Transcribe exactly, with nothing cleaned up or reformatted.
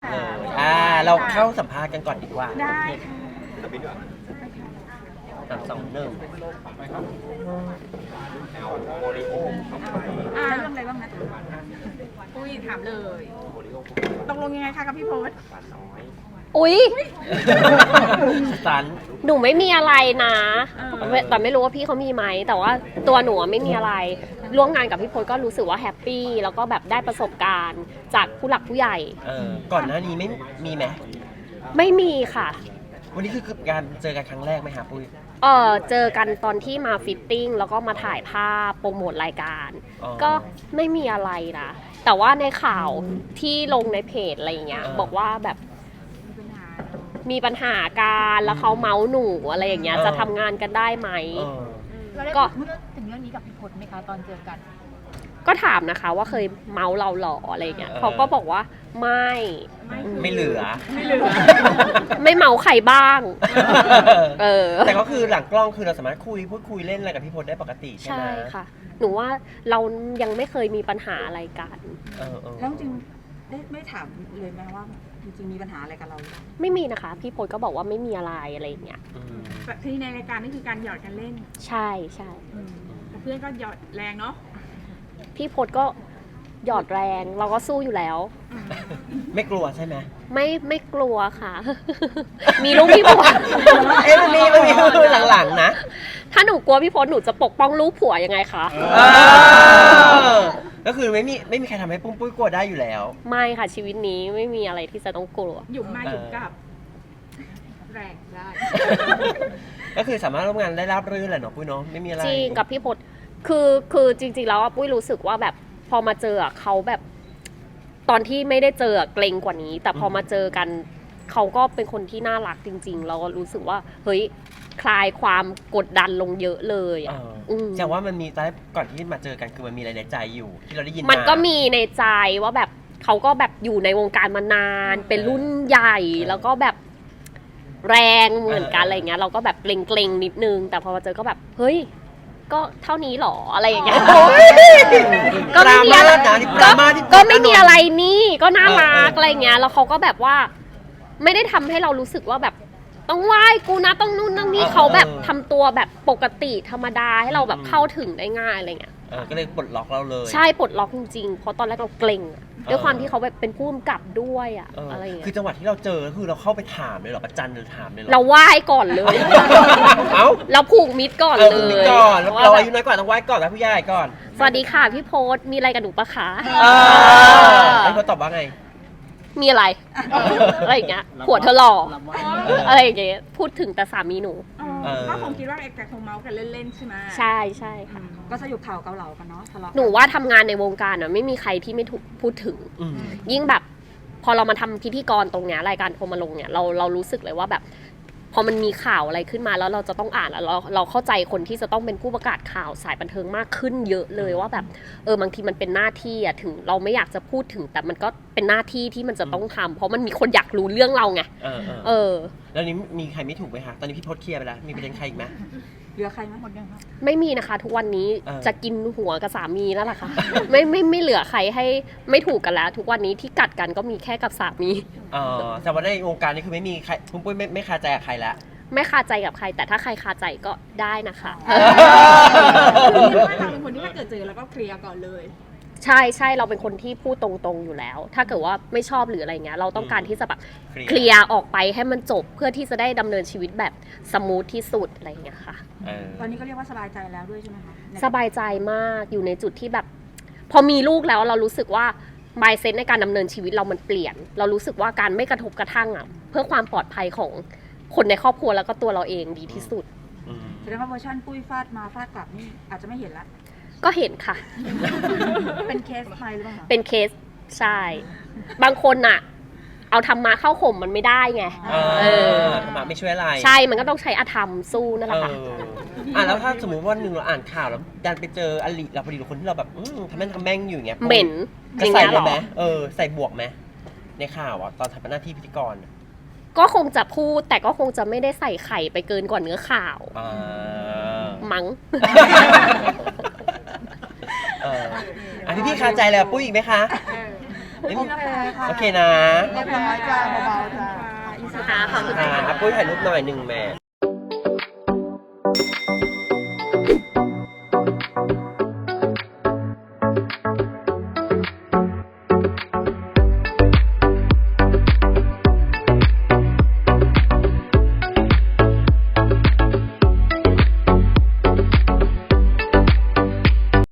เลยอ่าเราเข้าสัมภาษณ์กันก่อนดีกว่าได้สามสองหนึ่งอ่าเรื่องอะไรบ้างนะอุ้ยถามเลยตกลงยังไงคะกับพี่โพสอุ๊ยสันหนูไม่มีอะไรนะแต่ไม่รู้ว่าพี่เขามีไหมแต่ว่าตัวหนูไม่มีอะไรร่วมงานกับพี่พลก็รู้สึกว่าแฮปปี้แล้วก็แบบได้ประสบการณ์จากผู้หลักผู้ใหญ่เออก่อนหน้านี้ไม่มีไหมไม่มีค่ะวันนี้คือการเจอกันครั้งแรกไหมครับปุ้ยเออเจอกันตอนที่มาฟิตติ้งแล้วก็มาถ่ายภาพโปรโมทรายการอ๋อก็ไม่มีอะไรนะแต่ว่าในข่าวที่ลงในเพจอะไรอย่างเงี้ยเออบอกว่าแบบมีปัญหามีปัญหาการแล้วเขาเมาส์หนูอะไรอย่างเงี้ยเออจะทำงานกันได้ไหมเออเราได้ก็พูดถึงเรื่องนี้กับพี่พจน์ไหมคะตอนเจอกันก็ถามนะคะว่าเคยเมาส์เราหรออะไรอย่างเงี้ยเออเขาก็บอกว่าไม่ไม่คือไม่เหลือไม่เหลือไม่เมาใครบ้าง เออแต่ก็คือหลังกล้องคือเราสามารถคุยพูดคุยเล่นอะไรกับพี่พลได้ปกติใช่ไหใช่มค่ะ หนูว่าเรายังไม่เคยมีปัญหาอะไรกันเออเออแล้วจริงได้ไม่ถามเลยไหมว่าจริงๆมีปัญหาอะไรกับเราไม่มีนะคะ พี่พลก็บอกว่าไม่มีอะไรอะไรอย่างเงี้ยอืมแบบที่ในรายการนี่คือการหยอดกันเล่นใช่ใช่แต่เพื่อนก็หยอดแรงเนาะพี่พลก็หยอดแรงเราก็สู้อยู่แล้วไม่กลัวใช่ไหมไม่ไม่กลัวค่ะ มีลูกพี่พลเอ๊ะมันมีมันมีหลังๆนะถ้าหนูกลัวพี่พลหนูจะปกป้องลูกผัวยังไงคะเออก็คือไม่มีไม่มีใครทำให้ปุ้มปุ้ยกลัวได้อยู่แล้วไม่ค่ะชีวิตนี้ไม่มีอะไรที่จะต้องกลัวหยุ่มมาหยุ่มกลับ แรงได้ก็คือสามารถร่วมงานได้ราบรื่นแหละเนาะปุ้ยเนาะไม่มีอะไรจริงกับพี่พลคือคือจริงๆแล้วอะปุ้ยรู้สึกว่าแบบพอมาเจออะเขาแบบ ตอนที่ไม่ได้เจออะเกรงกว่านี้ แต่พอมาเจอกันเขาก็เป็นคนที่น่ารักจริง ๆ เราก็รู้สึกว่าเฮ้ยคลายความกดดันลงเยอะเลยเออะออืมแต่ว่ามันมีตอนแรกก่อนที่มาเจอกันคือมันมีอะไรในใจอยู่ ที่เราได้ยินมันก็มีในใจว่าแบบเขาก็แบบอยู่ในวงการมานาน เป็นรุ่นใหญ่ แล้วก็แบบแรงเหมือนกันอะไรเงี้ย เราก็แบบเกรงๆนิดนึง แต่พอมาเจอก็แบบเฮ้ยก็เท่านี้หรออะไรอย่างเงี้ยก็ไม่มีอะไรดราม่านะนี่ดก็ราม่าที่ก็ไม่มีอะไรนี่ก็น่ารักเออเออออะไรเงี้ยแล้วเขาก็แบบว่า ไม่ได้ทำให้เรารู้สึกว่าแบบต้องไหว้กูนะต้องนู่นต้องนี่เขาแบบทำตัวแบบปกติธรรมดาให้เราแบบเข้าถึงได้ง่ายอะไรเงี้ยเออก็เลยปลดล็อกเราเลยใช่ปลดล็อกจริงๆ เพราะตอนแรกเราเกรงอะเออด้วยความที่เขาแบบเป็นผู้กำกับด้วยอะเออออะไรอย่างเงี้คือยจังหวะที่เราเจอคือเราเข้าไปถามเลยเหรอประจันหรือถามเลยเหรอเราไหว้ก่อนเลยเอ้าเราผูกมิตรก่อนเออเลคุณยนี่ก่อนแล้วว่าเราแบอาบยุน้อยกว่าต้องไหว้ก่อนแล้วผู้ใหญ่ก่อนสวัสดีค่ะพี่โพสมีอะไรกับหนูปะคะเออไอ้เขาตอบว่าไงมีอะไร อะไรอย่างเงี้ยผัวเธอหล่อเออออะไรอย่างเงี้ยพูดถึงแต่สามีหนูเออก็คงคิดว่าเอกแต่คงเมาส์กันเล่นๆใช่ไหมใช่ใช่ค่ะก็สยุบเข่าเกาเหลากันเนาะทะเลาะหนูว่าทำงานในวงการอ่ะไม่มีใครที่ไม่ถูกพูดถึงอืมยิ่งแบบ พอเรามาทำพิธีกรตรงเนี้ยรายการโทรมาลงเนี่ยเราเรารู้สึกเลยว่าแบบ พอมันมีข่าวอะไรขึ้นมาแล้วเราจะต้องอ่านแล้วเราเราเข้าใจคนที่จะต้องเป็นผู้ประกาศข่าวสายบันเทิงมากขึ้นเยอะเลยว่าแบบเออบางทีมันเป็นหน้าที่อะถึงเราไม่อยากจะพูดถึง แต่มันก็เป็นหน้าที่ที่มันจะต้องทำเพราะมันมีคนอยากรู้เรื่องเราไงเออเออเออแล้วนี้มีใครไม่ถูกไหมคะตอนนี้พี่พศเคลียร์ไปแล้วมีประเด็นใครอีกไหมเหลือใครไหมหมดยังคะไม่มีนะคะ ทุกวันนี้เออจะกินหัวกับสามีนั่นแหละค่ะ ไม่ไม่ไม่เหลือใครให้ไม่ถูกกันแล้ว ทุกวันนี้ที่กัดกันก็มีแค่กับสามีเออแต่ว่าในวงการนี้คือไม่มีใครปุ้มปุ้ยไม่ไม่คาใจกับใครแล้วไม่คาใจกับใคร แต่ถ้าใครคาใจก็ได้นะคะเราเป็นคนที่ถ้าเกิดเจอแล้วก็เคลียร์ก่อนเลยใช่ใช่เราเป็นคนที่พูดตรงๆอยู่แล้ว ถ้าเกิดว่าไม่ชอบหรืออะไรเงี้ยเราต้องการที่จะแบบเคลียร์เคลียร์ออกไปให้มันจบเพื่อที่จะได้ดำเนินชีวิตแบบสมูทที่สุดอะไรเงี้ยค่ะเออตอนนี้ก็เรียกว่าสบายใจแล้วด้วยใช่ไหมคะสบายใจมากอยู่ในจุดที่แบบ พอมีลูกแล้วเรารู้สึกว่า mindset ในการดำเนินชีวิตเรามันเปลี่ยน เรารู้สึกว่าการไม่กระทบกระทั่งอ่ะเพื่อความปลอดภัยของคนในครอบครัวแล้วก็ตัวเราเองดีที่สุดอืมแสดงว่าเวอร์ชันปุ้ยฟาดมาฟาดกลับนี่อาจจะไม่เห็นละก็เห็นค่ะเป็นเคสใครหรือเปล่าคะเป็นเคสใช่ บางคนอ่ะ เอาธรรมะเข้าข่มมันไม่ได้ไงเอเอออมาไม่ช่วยอะไรใช่มันก็ต้องใช้อธรรมสู้นั่นแหเอละค่ะออ่ะแล้วถ้าสมมติว่าหนึ่งเราอ่านข่าวแล้วดันไปเจออลิเราพอดีหรือคนที่เราแบบอืมทำแม่งทำแม่งอยู่อย่างเงี้ยเหม็นอจะย่างใส่เงี้ยเลเหรยอไหมเออใส่บวกไหมในข่าวอ่ะตอนทำหน้าที่พิธีกรอะก็คงจะพูดแต่ก็คงจะไม่ได้ใส่ไข่ไปเกินกว่าเนื้อข่าวอ่ามั้งเอออ่ะพี่พี่คาใจเลยอ่ะปุ้ยอีกไหมคะเออไม่มีโอเคค่ะโอเคนะเรียบร้อยจ้าเบาๆจ้าค่ะขอบคุณอ่าอ่ะปุ้ยถ่ายรูปหน่อยหนึ่งแม่